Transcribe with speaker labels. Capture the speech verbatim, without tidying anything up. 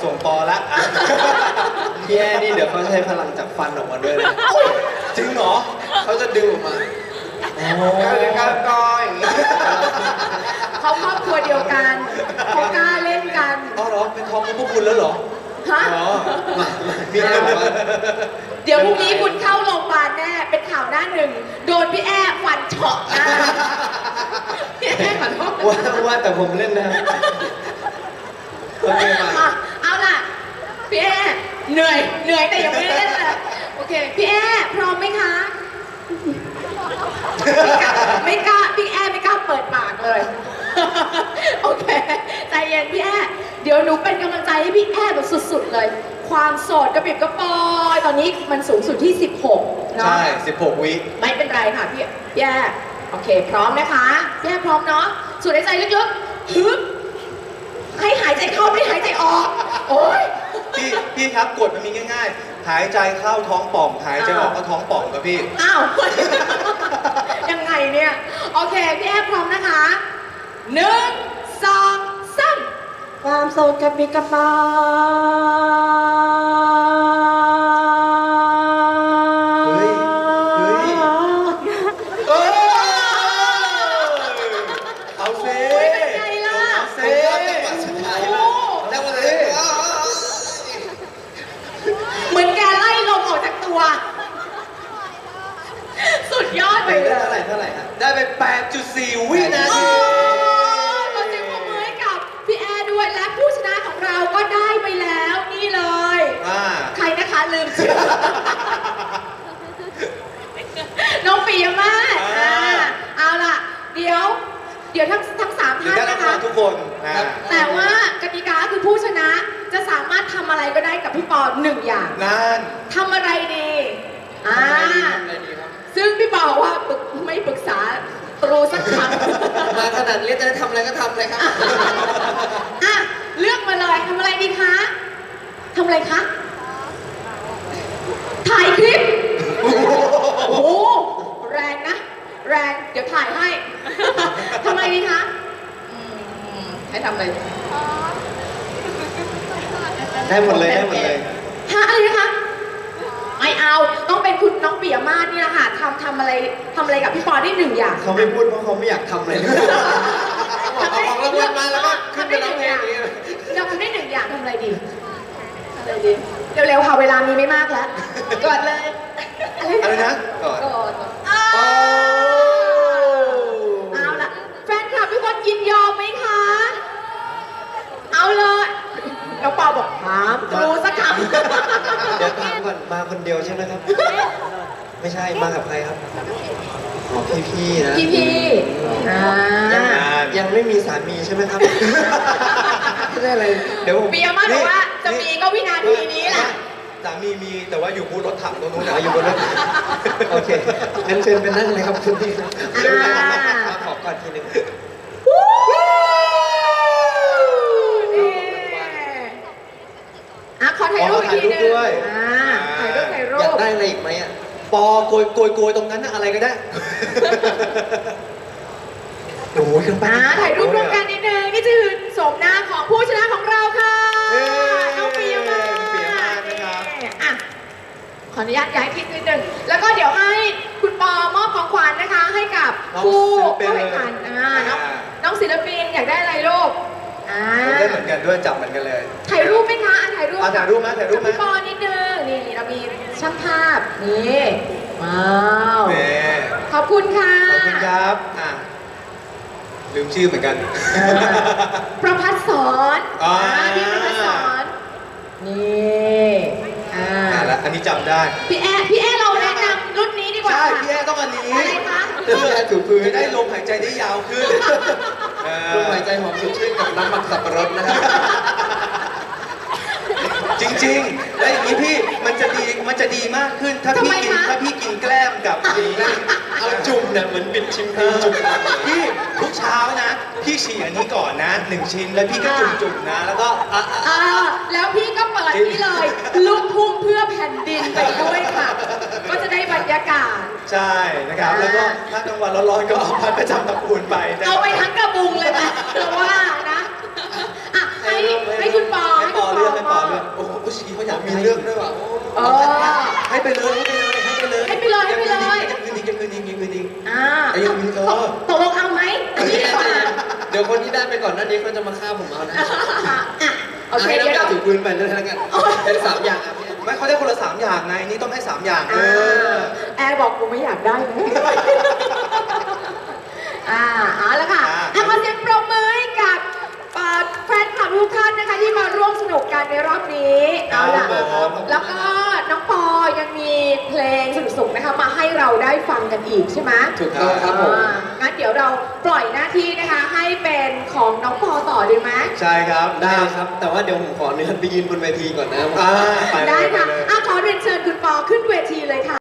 Speaker 1: ส่งปอละอ่ะ
Speaker 2: พี่แอนี่เดี๋ยวเขาใช้พลังจากฟันออกมาด้วยนะ
Speaker 1: จริงเหรอ
Speaker 2: เขาจะดึงออกมา
Speaker 1: โอ้
Speaker 2: เดี๋ยวการกออย่างนี้
Speaker 3: เขาครอบครัวเดียวกันเขากล้าเล่นกัน
Speaker 1: อ๋อเหรอเป็นทองของพวกคุณแล้วเหรอ
Speaker 3: ฮะ
Speaker 1: อ๋อ
Speaker 2: มามีแอบอกว่า
Speaker 3: เดี๋ยวพรุ่งนี้คุณเข้าโรงพยาบาลแน่ เป็นข่าวหน้าหนึ่ง โดนพี่แอ้ฟันเฉาะหน้าพี่แอ้ขอโทษ
Speaker 2: ว่าว่าแต่ผมเล่นนะครับโอเคมา
Speaker 3: อ่ะเอาล่ะ พี่แอ้เหนื่อย เหนื่อยแต่ยังไม่ได้เล่นเลยโอเค พี่แอ้พร้อมไหมคะ ไม่กล้าพี่แอ้ไม่กล้าเปิดปากเลย โอเค ใจเย็นพี่แอ้เดี๋ยวหนูเป็นกำลังใจให้พี่แอ้แบบสุดๆเลย ความโสดกระปิบกระปอย ตอนนี้มันสูงสุดที่สิบหกเนาะ
Speaker 1: ใช่สิบหกวิ
Speaker 3: ไม่เป็นไรค่ะพี่พี่แอ้โอเค พร้อมนะคะพี่แอ้พร้อมเนาะสูดหายใจลึกๆฮึบให้หายใจเข้าไม่หายใจออก โอ๊ย
Speaker 1: พี่พี่ครับกฎมันมีง่ายๆ หายใจเข้าท้องป่อง หายใจออกก็ท้องป่องครับพี่
Speaker 3: อ้าว ยังไงเนี่ย โอเค พี่แอ้พร้อมนะคะหนึ่งสองสามความโสดกระปิกระปอย
Speaker 1: เฮ้ย เฮ้ย เอ้ยเอาเซ่
Speaker 3: โอ้ยเป็นไงล่ะ
Speaker 1: เอาเซ่
Speaker 2: จังหวะสุดท้าย
Speaker 3: โอ้
Speaker 2: แล้ววันนี้
Speaker 3: เหมือนแกไล่ลมออกจากตัว สุดยอดไป
Speaker 2: ไป
Speaker 3: เล
Speaker 2: ได้เท่าย ไหร่เท่าไหร่ฮะ
Speaker 1: ได้ไป แปดจุดสี่ วินา
Speaker 3: โอ้
Speaker 1: ที
Speaker 3: ขอเสียงปรบมือให้กับพี่แอร์ด้วยและผู้ชนะของเราก็ได้ไปแล้วนี่เลย
Speaker 1: อ่า
Speaker 3: ใครนะคะลืมชื่อ น้องปิยมาศ
Speaker 1: อ่า
Speaker 3: อ่าเอาล่ะ เดี๋ยว เดี๋ยวทั้งทั้งสาม
Speaker 1: เดี๋ยว
Speaker 3: ท่าน
Speaker 1: ได้รับ
Speaker 3: นะ
Speaker 1: รอ
Speaker 3: คะ
Speaker 1: งทุกคนอ่า
Speaker 3: แต่ว่ากติกาคือผู้ชนะจะสามารถทำอะไรก็ได้กับพี่ปอหนึ่งอย่าง
Speaker 1: นั่น
Speaker 3: ทำอะไรดีอ่า
Speaker 2: ทำอะไรดีครับ
Speaker 3: ซึ่งพี่ปอบอกว่าปรึกไม่ปรึกษาตรูสักครั้ง
Speaker 2: มาขนาดนี้จะได้ทำอะไรก็ทำเลยครับ
Speaker 3: อ่ะเลือกมาเลยทำอะไรดีคะทำอะไรคะ ถ่ายคลิป โอ้โห แรงนะ แรง เดี๋ยวถ่ายให้ ทำอะไรดีคะอืมให้ทำอะไร
Speaker 2: ได้หมดเลยได้หมดเลย
Speaker 3: ฮะอะไรนะคะ ไม่เอา ต้องเป็นคุณน้องปิยมาศเนี่ยค่ะทำทำอะไรทำอะไรกับพี่ปอได้หนึ่งอย่าง
Speaker 2: เขาไม่พูดเพราะเขาไม่อยากทำเลยเอาของรางวัลมาแล้วก็ขึ้นไปร้องเพลงอย่างนี้
Speaker 3: เราทำได้หนึ่งอย่างทำอะไรดีทำอะไรดี เร็วๆค่ะเวลามีไม่มากแล้วกดเลย
Speaker 1: อะไรนะ
Speaker 2: ก่อน
Speaker 3: กดอ้า
Speaker 1: โอ้
Speaker 3: เอาล่ะแฟนคลับทุกคนยินยอมไหมคะ เอาเลยน้องปอบอกถามดูสักคำ
Speaker 2: เดี๋ยวถามก่อนมาคนเดียวใช่ไหมครับ ไม่ใช่มากับใครครับอ๋อพี่ๆนะ
Speaker 3: พี่พี่อ่า
Speaker 2: ยังยังไม่มีสามีใช่ไหมครับไม่ได้อะไรเดี๋ยวผม
Speaker 3: ปิยมาศบอกว่าจะมีก็วินาทีนี้แหละ
Speaker 1: สามีมีแต่ว่าอยู่บูธรถถังตรงนู้น
Speaker 2: อ๋
Speaker 1: นะ
Speaker 2: ออยู่บนรถโอเคงั้นเชิญไปนั่งเลยครับคุณพี่
Speaker 3: อ่า
Speaker 2: ขอก่อนทีหนึง
Speaker 3: นี่อ่ะขอถ่ายรูปอีกทีหนึง
Speaker 1: ด้วย
Speaker 3: อ่าถ่ายรูปถ่ายรู
Speaker 2: อยาก
Speaker 3: ป
Speaker 2: ได้อะไรอีกไหมอ่ะ
Speaker 1: ปอโกยโกยโกยตรงนั้นนะอะไรก็ได้
Speaker 2: โอ้ยเครื่องปั้น
Speaker 3: อ่าถ่ายรูปร่วมกันนิดนึงนี่คือโฉมหน้าของผู้ชนะของเราค่ะ
Speaker 1: เย้
Speaker 3: น้องปิยมาศ
Speaker 1: ปิยมาศนะครับ
Speaker 3: อ่ะขออนุญาตย้ายทิศนิดนึงแล้วก็เดี๋ยวให้คุณปอมอบของขวัญนะคะ ให้กับผู้ผู้แข่งขันอ่าน้องน้องศิลปินอยากได้อะไรลูกอ่า
Speaker 1: ผมได้เหมือนกันด้วยจับเหมือนกันเลย
Speaker 3: ถ่ายรูปไหมคะอ่ะถ่ายรูป
Speaker 1: อ่ะถ่ายรูปไหมถ่ายรูปไหม
Speaker 3: กับพี่ปอนิดนึงนี่เรามีช่างภาพนี่ว้าว
Speaker 1: เน่
Speaker 3: ขอบคุณค่ะ
Speaker 1: ขอบคุณครับอ่ะลืมชื่อเหมือนกัน
Speaker 3: เออประพัฒสอน
Speaker 1: อ่า
Speaker 3: อ่าพี่ประพัฒสอนนี่อ่า
Speaker 1: อ่ะแล้วอันนี้จำได้
Speaker 3: พี่แอพี่แอเราแนะนำรุ่นนี้ดีกว่า
Speaker 1: ใช่
Speaker 3: ค่ะ
Speaker 1: พี่แอต้องอันนี้
Speaker 3: อะไรคะ
Speaker 2: พี่แอถูพื้น
Speaker 1: จะได้ลมหายใจได้ยาวขึ้นเออ
Speaker 2: ลมหายใจหอมสดชื่นกับน้ำมันสับปะรดนะครับ
Speaker 1: จริงๆ แล้วอย่างนี้พี่มันจะดีมันจะดีมากขึ้น ถ้าพี่กินถ้าพี่กินแกล้มกับนี้
Speaker 2: เอาจุ่มเนี่ยเหมือนบิดชิมพีจุ่ม
Speaker 1: พี่ทุกเช้านะ พี่ฉีกอันนี้ก่อนนะหนึ่งชิ้นแล้วพี่ก็จุ่มๆนะ แล้วก็อ่ะอ่ะ
Speaker 3: อ่าแล้วพี่ก็เปิดนี่เลย ลูกทุ่งเพื่อแผ่นดินไปด้วยค่ะ ก็จะได้บรรยากาศ
Speaker 1: ใช่นะครับ แล้วก็ถ้ากลางวันร้อนๆก็เอาพัดประจำตระกูลไปนะ
Speaker 3: เอาไปทั้งกระบุงเลยนะเพราะว่านะอ่ะให้ให้คุณปอให้คุณปอม
Speaker 2: มีเรื่องด้วยว่ะ
Speaker 3: เออ
Speaker 2: ให้ไปเลยให้ไปเลยให้ไปเลย
Speaker 3: ให้ไปเลยให้ไปเลย
Speaker 2: จะคืนดีจะคืนดีจะคืนดี
Speaker 3: อ่า
Speaker 2: ไอ้ยังมีเธอ
Speaker 3: ตกลงเอาไหมอันนี้ค่ะ
Speaker 2: เดี๋ยวคนที่ได้ไปก่อนหน้านี้เขาจะมาฆ่าผมเอานะ
Speaker 3: อ่ะโอเค
Speaker 2: ให้
Speaker 3: เดี๋ยว
Speaker 2: น้ำยา
Speaker 3: เรา
Speaker 2: ถูพื้นไปด้วยแล้วกันเป็นสามอย่างอ่ะพี่
Speaker 1: ไม่เขาได้คนละสามอย่างไง นี่ต้องให้สามอย่างเอ
Speaker 3: อ่า
Speaker 1: อ
Speaker 3: แอร์บอกกูไม่อยากได้นะอ่าเอาละค่ะ
Speaker 1: อ่า
Speaker 3: อ่ะขอเสียงปรบมือให้กับเอ่อแฟนคลับทุกท่านนะคะที่มาร่วมสนุกกันในรอบนี้เอาล่ะ
Speaker 2: ครับผม
Speaker 3: แล้วก็น้องปอยังมีเพลงสนุกๆนะคะมาให้เราได้ฟังกันอีกใช่ไหม
Speaker 2: ถูกต้องครับผม
Speaker 3: อ่างั้นเดี๋ยวเราปล่อยหน้าที่นะคะ ให้เป็นของน้องปอต่อดีไหม
Speaker 1: ใช่ครับ
Speaker 2: ได้ครับ แต่ว่าเดี๋ยวผมขออนุญาตไปยืนบนเวทีก่อนนะ
Speaker 1: อ่าไปเลย
Speaker 3: ได้ค่ะ
Speaker 1: ไปเลย
Speaker 3: อ่ะขอเรียนเชิญคุณปอขึ้นเวทีเลยค่ะ